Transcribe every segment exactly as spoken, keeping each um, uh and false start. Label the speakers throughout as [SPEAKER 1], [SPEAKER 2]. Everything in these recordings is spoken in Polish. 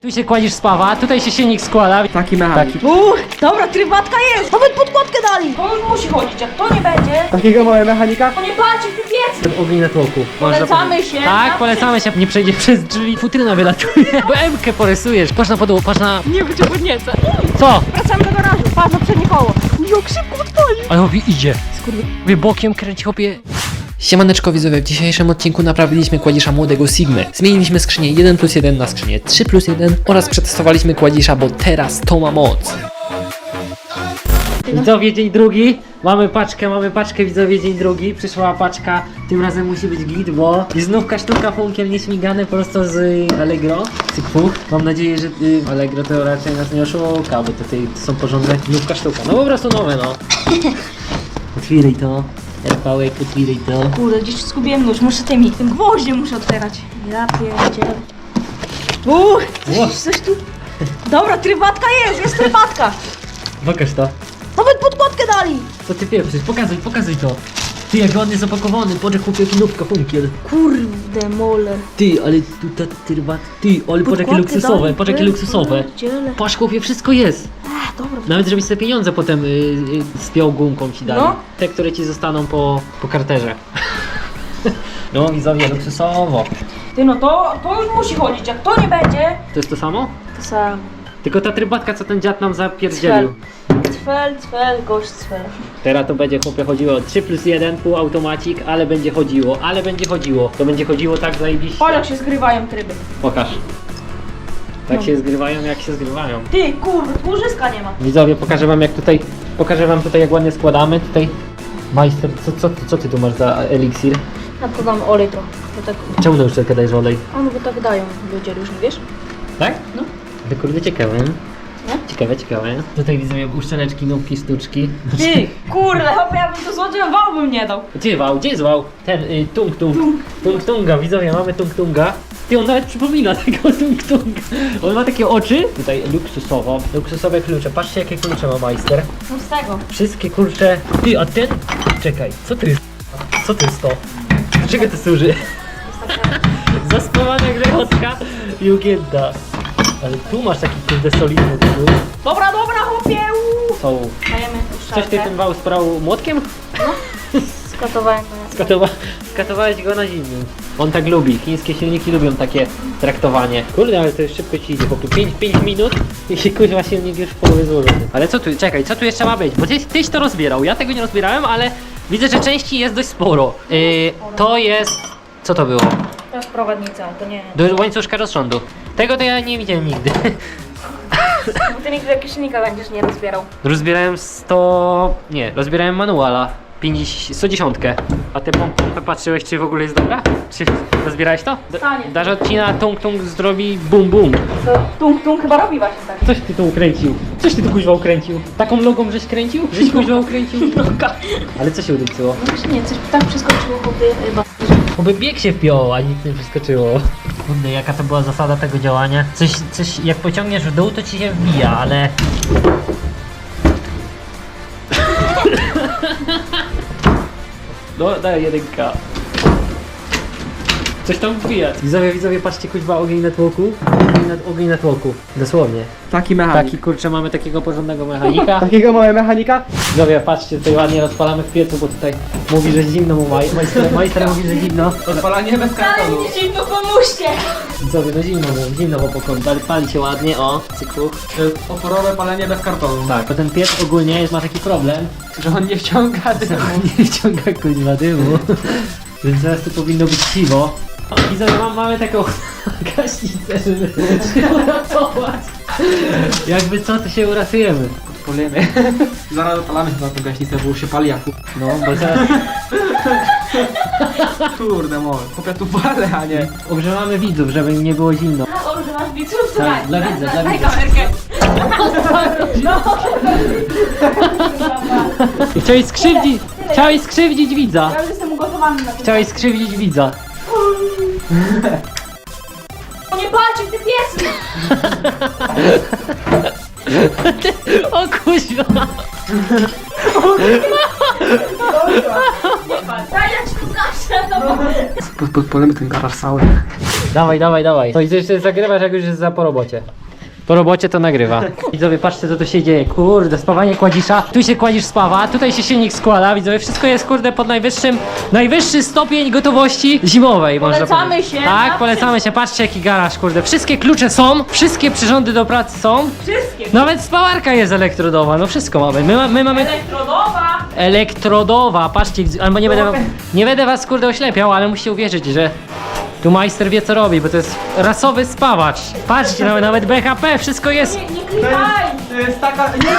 [SPEAKER 1] Tu się kładzisz spawa, tutaj się silnik składa.
[SPEAKER 2] Taki mechanik.
[SPEAKER 1] Taki.
[SPEAKER 3] Uuu, dobra, trybatka jest! Nawet podkładkę dali! To już musi chodzić, jak to nie będzie,
[SPEAKER 2] Takiego małe mechanika?
[SPEAKER 3] to nie patrzcie w tym piecu!
[SPEAKER 1] Ten ogień na tłoku.
[SPEAKER 3] Polecamy się.
[SPEAKER 1] Tak, polecamy się. Nie przejdzie przez drzwi, futryna wylatuje. Bo M-kę porysujesz. Patrz na podłogę, patrz na... Nie będzie podnieca. Co?
[SPEAKER 3] Wracamy do garażu, patrz na przednie koło. Jak szybko odpalił!
[SPEAKER 1] Ale chłopie idzie. Skurwy bokiem kręci chłopie.
[SPEAKER 4] Siemaneczko widzowie, w dzisiejszym odcinku naprawiliśmy kładzisza młodego Sigmy. Zmieniliśmy skrzynię jeden plus jeden na skrzynię trzy plus jeden oraz przetestowaliśmy kładzisza, bo teraz to ma moc.
[SPEAKER 1] Widzowie, dzień drugi. Mamy paczkę, mamy paczkę, widzowie, dzień drugi. Przyszła paczka, tym razem musi być git, bo i znówka sztuka funkiem nieśmigane prosto z y, Allegro. Cykfuch. Mam nadzieję, że y, Allegro to raczej nas nie oszuka, bo tutaj to są porządne znówka sztuka. No po prostu nowe, no. Otwieraj to. Erpałek, otwieraj to.
[SPEAKER 3] Kurde, gdzieś zgubiłem nóż, muszę tymi, tym gwoździem muszę otwierać. Ja pierdzielę. Uuu, coś, coś tu... Dobra, trybatka jest, jest trybatka!
[SPEAKER 1] Pokaż to.
[SPEAKER 3] Nawet podkładkę dali!
[SPEAKER 1] Co ty pieprzysz? Pokazuj, pokazuj to. Ty, jak ładnie zapakowany, poczek chłopie, jaki nówka funkiel.
[SPEAKER 3] Kurde, moler.
[SPEAKER 1] Ty, ale tu ta tyrbat. Ty, ale patrz jakie
[SPEAKER 3] Podkładkę
[SPEAKER 1] luksusowe,
[SPEAKER 3] dali,
[SPEAKER 1] patrz jakie
[SPEAKER 3] ty,
[SPEAKER 1] luksusowe.
[SPEAKER 3] pierdziele.
[SPEAKER 1] Patrz chłopie, wszystko jest.
[SPEAKER 3] Ech, dobra.
[SPEAKER 1] Nawet żebyś sobie pieniądze potem y, y, spiął gumką ci dali.
[SPEAKER 3] No.
[SPEAKER 1] Te, które ci zostaną po, po karterze. No widzowie, luksusowo.
[SPEAKER 3] Ty no to, to już musi chodzić, jak to nie będzie,
[SPEAKER 1] To jest to samo?
[SPEAKER 3] to sam.
[SPEAKER 1] Tylko ta trybatka, co ten dziad nam zapierdzielił.
[SPEAKER 3] Cfel, cfel, gość cfel.
[SPEAKER 1] Teraz to będzie chłopie chodziło trzy plus jeden, półautomacik, ale będzie chodziło, ale będzie chodziło. To będzie chodziło tak zajebiście.
[SPEAKER 3] Patrz jak się zgrywają tryby.
[SPEAKER 1] Pokaż. Tak
[SPEAKER 3] No.
[SPEAKER 1] się zgrywają, jak się zgrywają.
[SPEAKER 3] Ty, kurde, tłużyska nie ma.
[SPEAKER 1] Widzowie, pokażę wam jak tutaj, pokażę wam tutaj jak ładnie składamy. Tutaj majster, co, co, co ty tu masz za eliksir?
[SPEAKER 3] Ja podam olej trochę, bo tak,
[SPEAKER 1] Czemu na uszczelkę dajesz olej?
[SPEAKER 3] a no bo tak dają ludzie różni, wiesz?
[SPEAKER 1] Tak?
[SPEAKER 3] No.
[SPEAKER 1] To kurde ciekawe.
[SPEAKER 3] No.
[SPEAKER 1] Ciekawe, ciekawe. Tutaj widzowie uszczeleczki, nówki, sztuczki.
[SPEAKER 3] Ty, kurde, chyba ja bym to złodziej wał bym nie dał.
[SPEAKER 1] Gdzie wał? Gdzie jest wał? Ten y, tung tung. Tung tunga, widzowie, mamy tung tunga. Ty, on nawet przypomina tego tung tunga. On ma takie oczy. Tutaj luksusowo, luksusowe klucze. Patrzcie jakie klucze ma majster.
[SPEAKER 3] No z tego.
[SPEAKER 1] Wszystkie kurcze. Ty, a ten? Czekaj, co to jest? Co to jest to? Do czego to służy? Zaspawana grechotka i ugięta. Ale tu masz taki kurde solidny tytuł.
[SPEAKER 3] Dobra, dobra, chłopie, uuu.
[SPEAKER 1] Co?
[SPEAKER 3] Dajemy
[SPEAKER 1] Coś ty ten wał sprał młotkiem?
[SPEAKER 3] Skatowałem.
[SPEAKER 1] Skatowa skatowałeś go na zimnym. On tak lubi. Chińskie silniki lubią takie traktowanie. Kurde, ale to już szybko ci idzie. Po pięć minut i się kuźwa silnik już w połowie złożony. Ale co tu, czekaj, co tu jeszcze ma być? Bo tyś, tyś to rozbierał. Ja tego nie rozbierałem, ale widzę, że części jest dość sporo. Yy, to jest... Co to było?
[SPEAKER 3] To jest prowadnica, to nie.
[SPEAKER 1] Do łańcuszka rozsądu. Tego to ja nie widziałem nigdy.
[SPEAKER 3] Bo ty nigdy jakiegoś silnika będziesz nie rozbierał.
[SPEAKER 1] Rozbierałem sto... Nie, rozbierałem manuala. pięćdziesiąt, sto dziesięć. A ty pompę patrzyłeś, czy w ogóle jest dobra? Czy rozbierałeś to? Da-
[SPEAKER 3] Stanie.
[SPEAKER 1] Dasz odcina, tung tung zrobi bum bum.
[SPEAKER 3] To tung tung chyba robi właśnie tak.
[SPEAKER 1] Coś ty tu ukręcił. Coś ty tu kuźwa ukręcił. Taką logą żeś kręcił? Żeś kuźwa ukręcił? Ale co się udupcyło?
[SPEAKER 3] No właśnie nie, coś tak przeskoczyło chłopie chyba.
[SPEAKER 1] Oby bieg się wpiął, a nic nie przeskoczyło. Kurde, jaka to była zasada tego działania? Coś, coś, jak pociągniesz w dół, to ci się wbija, ale... No, daj jedynka. Coś tam wbija. Widzowie, widzowie, patrzcie, kuźwa, ogień na tłoku. Ogień na, ogień na tłoku. Dosłownie.
[SPEAKER 2] Taki mechanik.
[SPEAKER 1] Taki, kurczę, mamy takiego porządnego mechanika.
[SPEAKER 2] Takiego małe mechanika?
[SPEAKER 1] Widzowie, patrzcie, tutaj ładnie rozpalamy w piecu, bo tutaj mówi, że zimno mu maj, majster, majster mówi, że zimno.
[SPEAKER 2] Odpalanie bez kartonu.
[SPEAKER 3] Ale mi zimno, pomóżcie!
[SPEAKER 1] Widzowie, no zimno mu, zimno po pokoju, ale pali się ładnie, o, cyklu.
[SPEAKER 2] To jest oporowe palenie bez kartonu.
[SPEAKER 1] Tak, bo ten piec ogólnie jest, ma taki problem,
[SPEAKER 2] Że on nie wciąga dymu.
[SPEAKER 1] nie wciąga kuźwa dymu, więc teraz tu powinno być siwo. O, widzowie, mam, mamy taką gaśnicę, żeby się uratować. Jakby co, to się uratujemy.
[SPEAKER 2] Polemy. Zaraz odpalamy chyba tę gaśnicę, bo już się pali jak
[SPEAKER 1] No, bo zaraz
[SPEAKER 2] kurde mol. Chłopia tu palę, a nie.
[SPEAKER 1] ogrzewamy widzów, żeby im nie było zimno.
[SPEAKER 3] O, że masz widzów, to
[SPEAKER 1] Tak,
[SPEAKER 3] daj.
[SPEAKER 1] dla widza, dla
[SPEAKER 3] Daj
[SPEAKER 1] widza.
[SPEAKER 3] kamerkę. No.
[SPEAKER 1] Chciałeś skrzywdzić, chciałeś skrzywdzić widza.
[SPEAKER 3] Ja już jestem ugotowany na to.
[SPEAKER 1] Chciałeś skrzywdzić widza.
[SPEAKER 3] Nie patrzcie w te piecy!
[SPEAKER 1] O kuźwa.
[SPEAKER 3] Nie patrz, daj ja ci pokażę, no bo...
[SPEAKER 2] podpalimy ten garaż cały.
[SPEAKER 1] Dawaj, dawaj, dawaj. No i to jeszcze zagrywasz, jak już jest za po robocie. Po robocie to nagrywa. Widzowie, patrzcie, co tu się dzieje. Kurde, spawanie kładzisza. Tu się kładzisz spawa, tutaj się silnik składa. Widzowie, wszystko jest, kurde, pod najwyższym, najwyższy stopień gotowości zimowej, można
[SPEAKER 3] Polecamy
[SPEAKER 1] powiedzieć.
[SPEAKER 3] się
[SPEAKER 1] Tak,
[SPEAKER 3] na
[SPEAKER 1] polecamy się. Patrzcie, jaki garaż, kurde. Wszystkie klucze są, wszystkie przyrządy do pracy są.
[SPEAKER 3] Wszystkie.
[SPEAKER 1] Nawet spawarka jest elektrodowa, no wszystko mamy. My, ma- my mamy...
[SPEAKER 3] Elektrodowa.
[SPEAKER 1] Elektrodowa, patrzcie, albo nie będę, nie będę was, kurde, oślepiał, ale musicie uwierzyć, że tu majster wie, co robi, bo to jest rasowy spawacz. Patrzcie, nawet, nawet B H P, wszystko jest.
[SPEAKER 3] Nie, nie klikaj.
[SPEAKER 2] To jest taka... Nie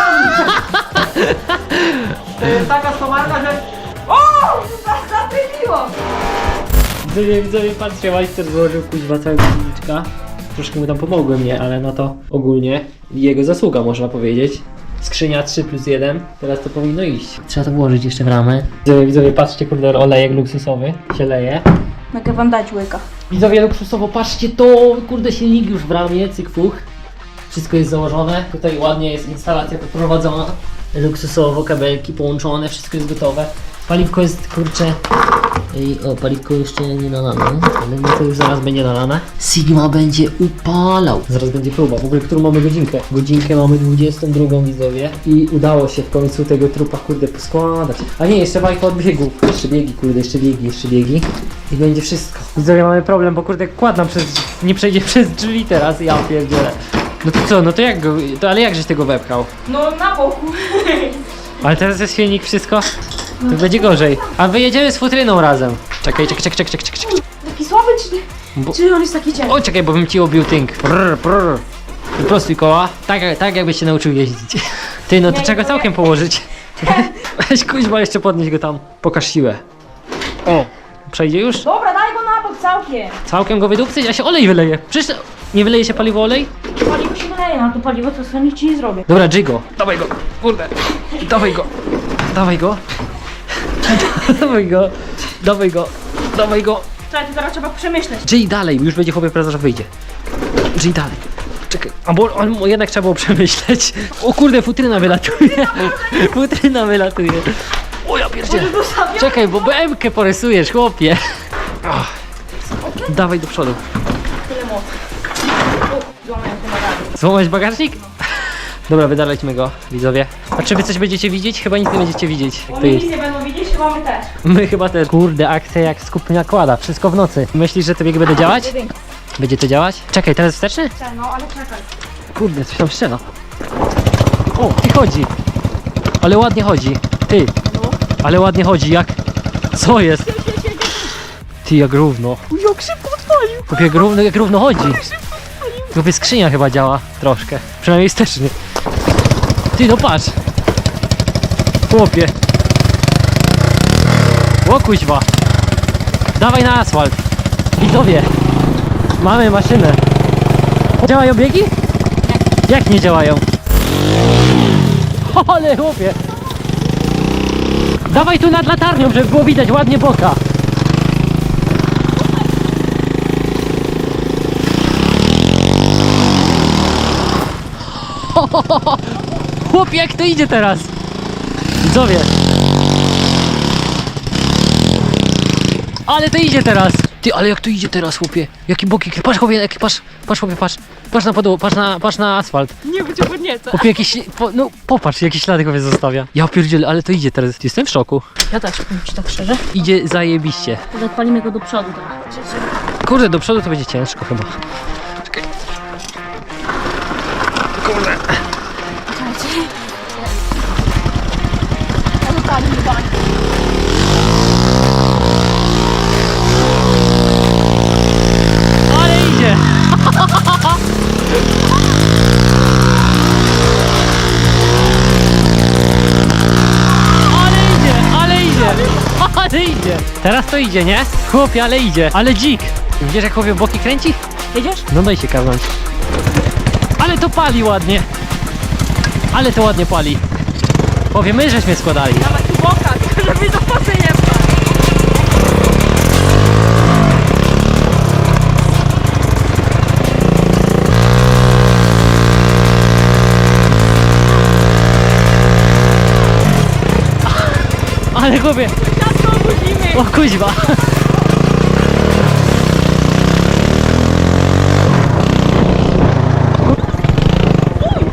[SPEAKER 2] To jest taka stomarka, że...
[SPEAKER 3] O! Zapyliło.
[SPEAKER 1] Widzowie, widzowie, patrzcie, majster złożył kuźwa całego silniczka. Troszkę mu tam pomogłem, nie, ale no to ogólnie jego zasługa, można powiedzieć. Skrzynia trzy plus jeden, teraz to powinno iść. Trzeba to włożyć jeszcze w ramę. Widzowie, widzowie, patrzcie, kurde, olejek luksusowy się leje.
[SPEAKER 3] Mogę wam dać łyka.
[SPEAKER 1] Widzowie, luksusowo, patrzcie to, kurde, silnik już w ramie, cyk fuch. Wszystko jest założone, tutaj ładnie jest instalacja poprowadzona. Luksusowo, kabelki połączone, wszystko jest gotowe. Paliwko jest, kurczę, i, o, paliwko jeszcze nie nalane, ale no to już zaraz będzie nalane. Sigma będzie upalał. Zaraz będzie próba, w ogóle którą mamy godzinkę? Godzinkę mamy dwudziestą drugą, widzowie. I udało się w końcu tego trupa, kurde, poskładać. A nie, jeszcze bajka od biegów. Jeszcze biegi, kurde, jeszcze biegi, jeszcze biegi. I będzie wszystko. Widzowie, mamy problem, bo kurde, kład nam przez, nie przejdzie przez drzwi teraz, ja pierdzielę. No to co, no to jak go, to, ale jakżeś tego wepchał?
[SPEAKER 3] No na boku.
[SPEAKER 1] Ale teraz jest silnik, wszystko, to będzie gorzej. A wyjedziemy z futryną razem. Czekaj, czekaj, czekaj, czekaj, czekaj, czekaj.
[SPEAKER 3] Taki słaby czy,
[SPEAKER 1] Bo-
[SPEAKER 3] czy on jest taki ciężki?
[SPEAKER 1] O, czekaj, bo bym ci obił tynk. Prr, prr. Prostuj koła, tak, tak jakbyś się nauczył jeździć. Ty, no to
[SPEAKER 3] Nie,
[SPEAKER 1] trzeba go
[SPEAKER 3] no
[SPEAKER 1] całkiem
[SPEAKER 3] nie.
[SPEAKER 1] położyć. Weź kuźma, jeszcze podnieś go tam. Pokaż siłę. O, przejdzie już?
[SPEAKER 3] Dobra, daj go na bok całkiem.
[SPEAKER 1] Całkiem go wydupcyć, a się olej wyleje. Przecież nie wyleje się paliwo olej?
[SPEAKER 3] Paliwo się wyleje, no to paliwo to sobie nic ci nie zrobię.
[SPEAKER 1] Dobra, Jigo. Dawaj go, kurde. Dawaj go. Dawaj go. Dawaj go. Dawaj go. Dawaj go.
[SPEAKER 3] Słuchaj, to teraz trzeba przemyśleć.
[SPEAKER 1] Czyli dalej, już będzie chłopie prezes wyjdzie. Czyli dalej. Czekaj, a bo on, jednak trzeba było przemyśleć. O kurde, futryna wylatuje. Futryna wylatuje. O ja pierdzielę. Czekaj, bo B M-kę porysujesz, chłopie. Ach. Dawaj do przodu.
[SPEAKER 3] Tyle mocy. O, złamałem ten rady.
[SPEAKER 1] Złamać bagażnik? Dobra, wydalajmy go, widzowie. A czy wy coś będziecie widzieć? Chyba nic nie będziecie widzieć. Jak to
[SPEAKER 3] Oni
[SPEAKER 1] jest.
[SPEAKER 3] nic nie będą widzieć, chyba my też.
[SPEAKER 1] My chyba też. Kurde, akcja jak skup nakłada. Wszystko w nocy. Myślisz, że to bieg będzie działać?
[SPEAKER 3] Jedynka.
[SPEAKER 1] Będzie to działać? Czekaj, teraz wsteczny?
[SPEAKER 3] No, ale czekaj.
[SPEAKER 1] Kurde, coś tam strzela. O, ty chodzi. Ale ładnie chodzi. Ty. Ale ładnie chodzi, jak... Co jest? Ty, jak równo.
[SPEAKER 3] Jak szybko odpalił.
[SPEAKER 1] Chłopie, jak równo, jak równo chodzi. Chłopie, skrzynia chyba działa troszkę. Przynajmniej wstecznie. Ty, no patrz. Chłopie. O kuźwa. Dawaj na asfalt. Widzowie. Mamy maszynę. Działają biegi? Jak nie działają? Ale chłopie. Dawaj tu nad latarnią, żeby było widać ładnie boka. Chłopie, jak to idzie teraz? Widzowie. Ale to idzie teraz. Ty, ale jak to idzie teraz, chłopie? Jaki boki, patrz chłopie, jaki, patrz, patrz chłopie, patrz. Patrz na podłogę, patrz na, patrz na asfalt.
[SPEAKER 3] Nie będzie podnieca.
[SPEAKER 1] Chłopie, jakieś, po, no popatrz, jakie ślady chłopie zostawia. Ja pierdzielę, ale to idzie teraz. Jestem w szoku.
[SPEAKER 3] Ja też, powiem ci tak szczerze.
[SPEAKER 1] Idzie zajebiście.
[SPEAKER 3] Odpalimy go do przodu teraz.
[SPEAKER 1] Kurde, do przodu to będzie ciężko chyba. Czekaj. Kurde.
[SPEAKER 3] Czekajcie. Ja zostawię do bani.
[SPEAKER 1] Ale idzie. Ale idzie, ale idzie. Ale idzie. Teraz to idzie, nie? Chłopie, ale idzie. Ale dzik. Widzisz, jak chłopie boki kręci?
[SPEAKER 3] Jedziesz?
[SPEAKER 1] No daj się kawnąć. Ale to pali ładnie. Ale to ładnie pali. Chłopie, my żeśmy składali.
[SPEAKER 3] Dawaj tu boka, tylko żeby do poty nie wpadł.
[SPEAKER 1] Ale chłopie.
[SPEAKER 3] Ciasto obudzimy.
[SPEAKER 1] O kuźwa.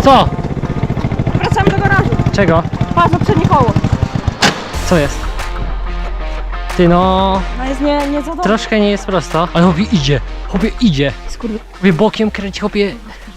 [SPEAKER 1] Co?
[SPEAKER 3] Wracamy do garażu.
[SPEAKER 1] Czego?
[SPEAKER 3] Patrz na przednie koło.
[SPEAKER 1] Co jest? Ty no...
[SPEAKER 3] No jest nie, nie za dobrze.
[SPEAKER 1] Troszkę nie jest prosto. Ale chłopie idzie. Chłopie idzie.
[SPEAKER 3] Skurwy.
[SPEAKER 1] Chłopie bokiem kręci, chłopie